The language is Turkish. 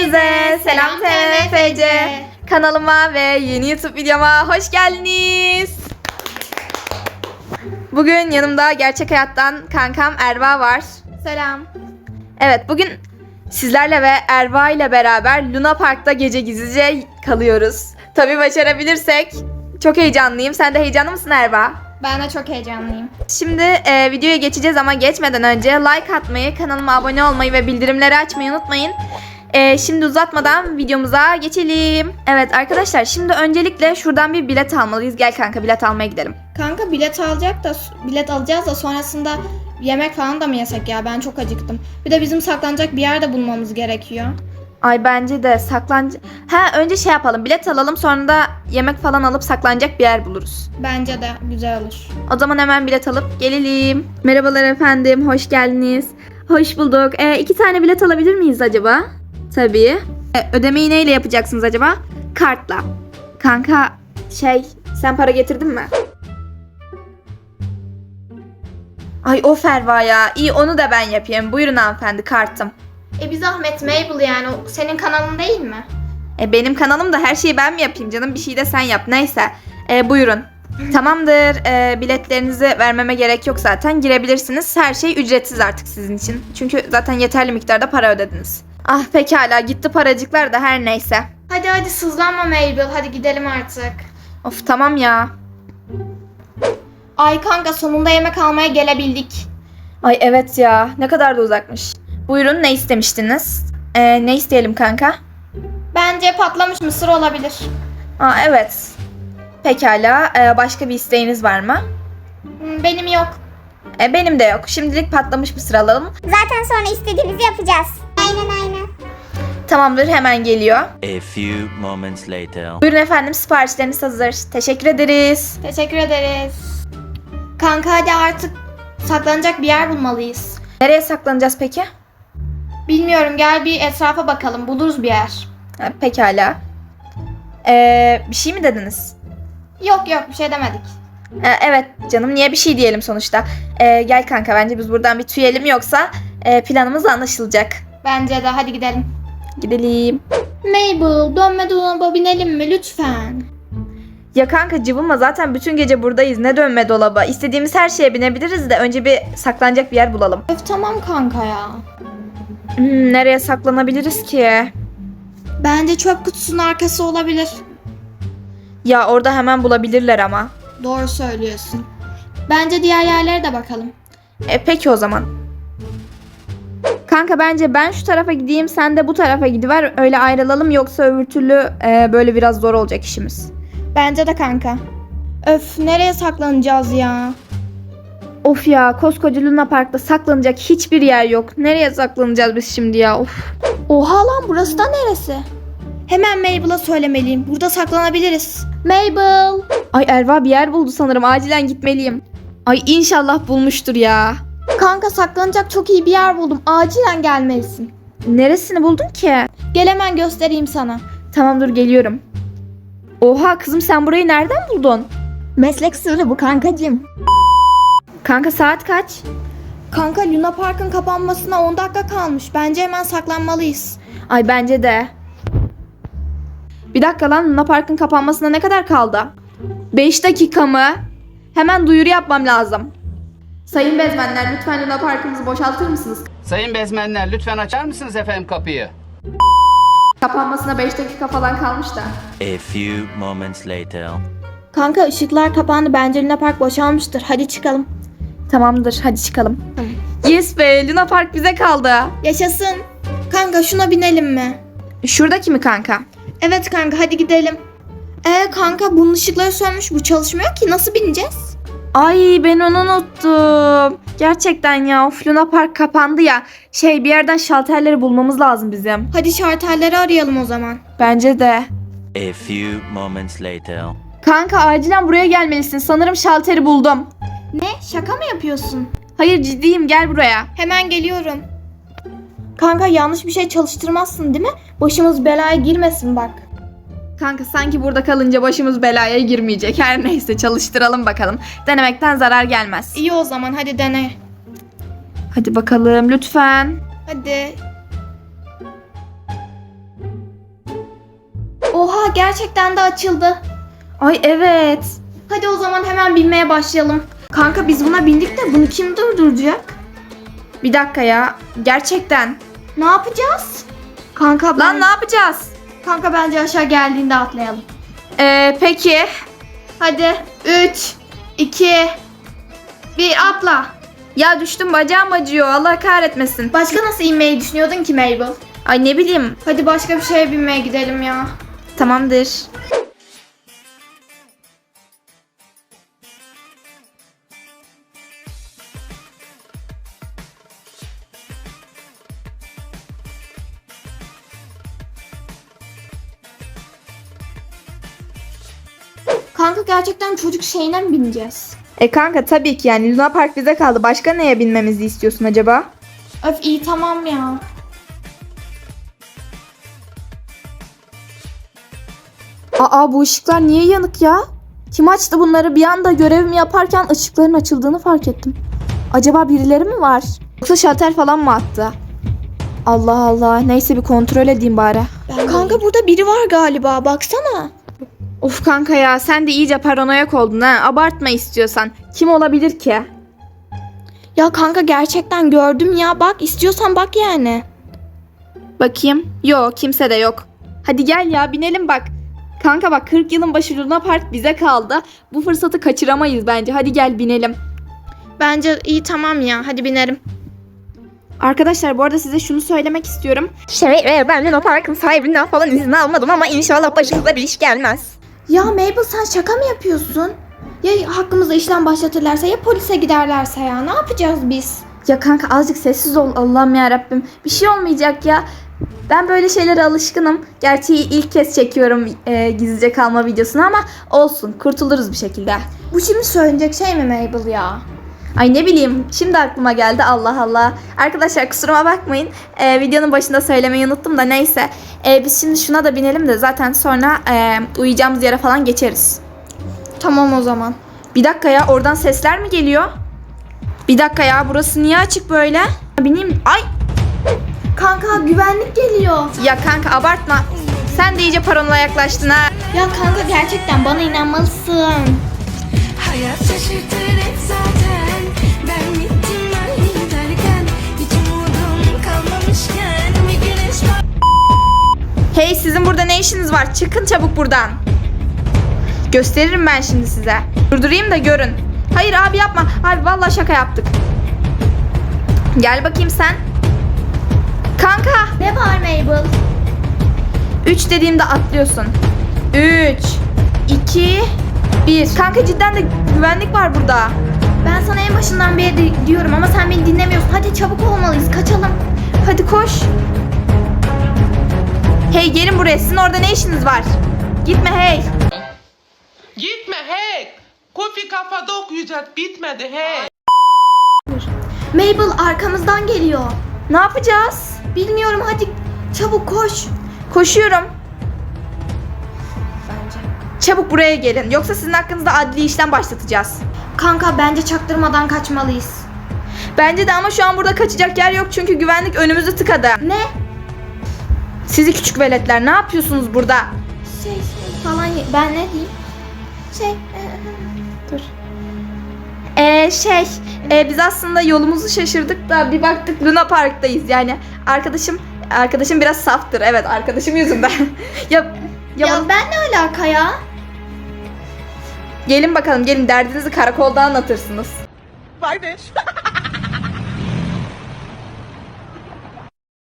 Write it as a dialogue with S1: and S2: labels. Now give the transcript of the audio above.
S1: Hepinize selam TMFC kanalıma ve yeni YouTube videoma hoş geldiniz. Bugün yanımda gerçek hayattan kankam Erva var.
S2: Selam.
S1: Evet, bugün sizlerle ve Erva ile beraber Luna Park'ta gece gizlice kalıyoruz. Tabii başarabilirsek. Çok heyecanlıyım. Sen de heyecanlı mısın Erva?
S2: Ben de çok heyecanlıyım.
S1: Şimdi videoya geçeceğiz ama geçmeden önce like atmayı, kanalıma abone olmayı ve bildirimleri açmayı unutmayın. Şimdi uzatmadan videomuza geçelim. Evet arkadaşlar, şimdi öncelikle şuradan bir bilet almalıyız. Gel kanka, bilet almaya gidelim.
S2: Kanka bilet alacağız da sonrasında yemek falan da mı yesek ya? Ben çok acıktım. Bir de bizim saklanacak bir yer de bulmamız gerekiyor.
S1: Ay bence de önce şey yapalım, bilet alalım, sonra da yemek falan alıp saklanacak bir yer buluruz.
S2: Bence de güzel olur.
S1: O zaman hemen bilet alıp gelelim. Merhabalar efendim, hoş geldiniz. Hoş bulduk. 2 tane bilet alabilir miyiz acaba? Tabii. Ödemeyi neyle yapacaksınız acaba? Kartla. Kanka sen para getirdin mi? Ay o Ferva ya. İyi, onu da ben yapayım. Buyurun hanımefendi, kartım.
S2: Bir zahmet Mabel, yani o senin kanalın değil mi?
S1: Benim kanalım da her şeyi ben mi yapayım canım? Bir şey de sen yap. Neyse. Buyurun. Tamamdır. Biletlerinizi vermeme gerek yok zaten. Girebilirsiniz. Her şey ücretsiz artık sizin için. Çünkü zaten yeterli miktarda para ödediniz. Ah pekala, gitti paracıklar da, her neyse.
S2: Hadi sızlanma Mabel, hadi gidelim artık.
S1: Of tamam ya.
S2: Ay kanka, sonunda yemek almaya gelebildik.
S1: Ay evet ya, ne kadar da uzakmış. Buyurun, ne istemiştiniz? Ne isteyelim kanka?
S2: Bence patlamış mısır olabilir.
S1: Evet. Pekala, başka bir isteğiniz var mı?
S2: Benim yok.
S1: Benim de yok. Şimdilik patlamış mısır alalım.
S3: Zaten sonra istediğimizi yapacağız. Aynen.
S1: Tamamdır, hemen geliyor.
S4: A few moments later.
S1: Buyurun efendim, siparişleriniz hazır. Teşekkür ederiz.
S2: Teşekkür ederiz. Kanka hadi artık saklanacak bir yer bulmalıyız.
S1: Nereye saklanacağız peki?
S2: Bilmiyorum, gel bir etrafa bakalım, buluruz bir yer.
S1: Pekala. Bir şey mi dediniz?
S2: Yok bir şey demedik.
S1: Evet canım, niye bir şey diyelim sonuçta. Gel kanka, bence biz buradan bir tüyelim, yoksa planımız anlaşılacak.
S2: Bence de, hadi gidelim.
S1: Gidelim.
S2: Mabel, dönme dolaba binelim mi lütfen?
S1: Ya kanka cıvıma, zaten bütün gece buradayız, ne dönme dolaba. İstediğimiz her şeye binebiliriz de önce bir saklanacak bir yer bulalım.
S2: Tamam kanka ya.
S1: Nereye saklanabiliriz ki?
S2: Bence çöp kutusunun arkası olabilir.
S1: Ya orada hemen bulabilirler ama.
S2: Doğru söylüyorsun. Bence diğer yerlere de bakalım.
S1: Peki o zaman. Kanka bence ben şu tarafa gideyim, sen de bu tarafa gidiver, öyle ayrılalım, yoksa öbür türlü böyle biraz zor olacak işimiz.
S2: Bence de kanka. Öf, nereye saklanacağız ya?
S1: Of ya, koskoca Luna Park'ta saklanacak hiçbir yer yok. Nereye saklanacağız biz şimdi ya? Of.
S2: Oha lan, burası da neresi? Hemen Mabel'a söylemeliyim. Burada saklanabiliriz. Mabel!
S1: Ay Erva bir yer buldu sanırım. Acilen gitmeliyim. Ay inşallah bulmuştur ya.
S2: Kanka, saklanacak çok iyi bir yer buldum. Acilen gelmelisin.
S1: Neresini buldun ki?
S2: Gel hemen göstereyim sana.
S1: Tamam dur, geliyorum. Oha kızım, sen burayı nereden buldun?
S2: Meslek sırrı bu kankacığım.
S1: Kanka saat kaç?
S2: Kanka, Luna Park'ın kapanmasına 10 dakika kalmış. Bence hemen saklanmalıyız.
S1: Ay bence de. Bir dakika lan, Luna Park'ın kapanmasına ne kadar kaldı? 5 dakika mı? Hemen duyuru yapmam lazım. Sayın bezmenler, lütfen Luna Park'ımızı boşaltır mısınız?
S5: Sayın bezmenler, lütfen açar mısınız efendim kapıyı?
S1: Kapanmasına 5 dakika falan kalmış da.
S4: A few moments later.
S2: Kanka, ışıklar kapandı. Bence Luna Park boşalmıştır. Hadi çıkalım.
S1: Tamamdır, hadi çıkalım. Yes be, Luna Park bize kaldı.
S2: Yaşasın. Kanka, şuna binelim mi?
S1: Şuradaki mi kanka?
S2: Evet kanka, hadi gidelim. Kanka, bunun ışıkları sönmüş. Bu çalışmıyor ki. Nasıl bineceğiz?
S1: Ay ben onu unuttum. Gerçekten ya, of, Luna Park kapandı ya. Bir yerden şalterleri bulmamız lazım bizim.
S2: Hadi şartelleri arayalım o zaman.
S1: Bence de.
S4: A few moments later.
S1: Kanka acilen buraya gelmelisin. Sanırım şalteri buldum.
S2: Ne? Şaka mı yapıyorsun?
S1: Hayır ciddiyim, gel buraya.
S2: Hemen geliyorum. Kanka, yanlış bir şey çalıştırmazsın değil mi? Başımız belaya girmesin bak.
S1: Kanka sanki burada kalınca başımız belaya girmeyecek. Her neyse, çalıştıralım bakalım. Denemekten zarar gelmez.
S2: İyi o zaman, hadi dene.
S1: Hadi bakalım lütfen.
S2: Hadi. gerçekten de açıldı.
S1: Ay evet.
S2: Hadi o zaman hemen binmeye başlayalım. Kanka biz buna bindik de bunu kim durduracak?
S1: Bir dakika ya. Gerçekten.
S2: Ne yapacağız? Kanka
S1: Lan ne yapacağız?
S2: Kanka bence aşağı geldiğinde atlayalım.
S1: Peki.
S2: Hadi 3, 2, 1 atla.
S1: Ya düştüm, bacağım acıyor. Allah kahretmesin.
S2: Başka nasıl inmeyi düşünüyordun ki Mabel?
S1: Ay ne bileyim.
S2: Hadi başka bir şeye binmeye gidelim ya.
S1: Tamamdır.
S2: Kanka gerçekten çocuk şeyine mi bineceğiz?
S1: Kanka tabii ki yani Luna Park bize kaldı. Başka neye binmemizi istiyorsun acaba?
S2: Öf iyi tamam ya.
S1: Aa bu ışıklar niye yanık ya? Kim açtı bunları? Bir anda görevimi yaparken ışıkların açıldığını fark ettim. Acaba birileri mi var? Yoksa şalter falan mı attı? Allah Allah. Neyse bir kontrol edeyim bari.
S2: Kanka burada biri var galiba baksana.
S1: Of kanka ya sen de iyice paranoyak oldun ha. Abartma istiyorsan. Kim olabilir ki?
S2: Ya kanka gerçekten gördüm ya bak istiyorsan bak yani.
S1: Bakayım. Yok kimse de yok. Hadi gel ya binelim bak. Kanka bak 40 yılın başı Luna Park bize kaldı. Bu fırsatı kaçıramayız bence. Hadi gel binelim.
S2: Bence iyi tamam ya hadi binerim.
S1: Arkadaşlar bu arada size şunu söylemek istiyorum.
S6: Ben Luna Park'ın sahibinden falan izin almadım ama inşallah başımıza bir iş gelmez.
S2: Ya Mabel sen şaka mı yapıyorsun? Ya hakkımızda işlem başlatırlarsa ya polise giderlerse ya ne yapacağız biz?
S1: Ya kanka azıcık sessiz ol Allah'ım ya Rabbim. Bir şey olmayacak ya. Ben böyle şeylere alışkınım. Gerçi ilk kez çekiyorum gizlice kalma videosunu ama olsun kurtuluruz bir şekilde.
S2: Bu şimdi söylenecek şey mi Mabel ya?
S1: Ay ne bileyim şimdi aklıma geldi Allah Allah. Arkadaşlar kusuruma bakmayın. Videonun başında söylemeyi unuttum da neyse. Biz şimdi şuna da binelim de zaten sonra uyuyacağımız yere falan geçeriz.
S2: Tamam o zaman.
S1: Bir dakika ya oradan sesler mi geliyor? Bir dakika ya burası niye açık böyle? Bineyim. Ay
S2: Kanka güvenlik geliyor.
S1: ya kanka abartma. Sen de iyice paranoya yaklaştın ha.
S2: Ya kanka gerçekten bana inanmalısın.
S7: Hayat şaşırtır hep zaten. Ben bittim ben derken hiç umudum kalmamışken bir güneş var.
S1: Hey sizin burada ne işiniz var? Çıkın çabuk buradan. Gösteririm ben şimdi size. Durdurayım da görün. Hayır abi yapma. Abi vallahi şaka yaptık. Gel bakayım sen. Kanka.
S2: Ne var Mabel?
S1: 3 dediğimde atlıyorsun. 3, 2, 1. Kanka cidden de güvenlik var burada.
S2: Ben sana en başından beri diyorum ama sen beni dinlemiyorsun. Hadi çabuk olmalıyız kaçalım.
S1: Hadi koş. Hey gelin buraya. Sizin orada ne işiniz var? Gitme hey.
S8: Gitme hey. Kofi kafada okuyacağız. Bitmedi hey.
S2: Mabel arkamızdan geliyor.
S1: Ne yapacağız?
S2: Bilmiyorum hadi çabuk koş.
S1: Koşuyorum.
S2: Bence.
S1: Çabuk buraya gelin. Yoksa sizin hakkınızda adli işlem başlatacağız.
S2: Kanka bence çaktırmadan kaçmalıyız.
S1: Bence de ama şu an burada kaçacak yer yok çünkü güvenlik önümüzü tıkadı.
S2: Ne?
S1: Sizi küçük veletler ne yapıyorsunuz burada?
S2: Şey falan ben ne diyeyim? Şey
S1: Dur. Biz aslında yolumuzu şaşırdık da bir baktık Luna Park'tayız yani. Arkadaşım biraz saftır. Evet arkadaşım yüzünden. ya
S2: ya ben ne alaka ya?
S1: gelin bakalım gelin derdinizi karakolda anlatırsınız.
S8: Kardeş.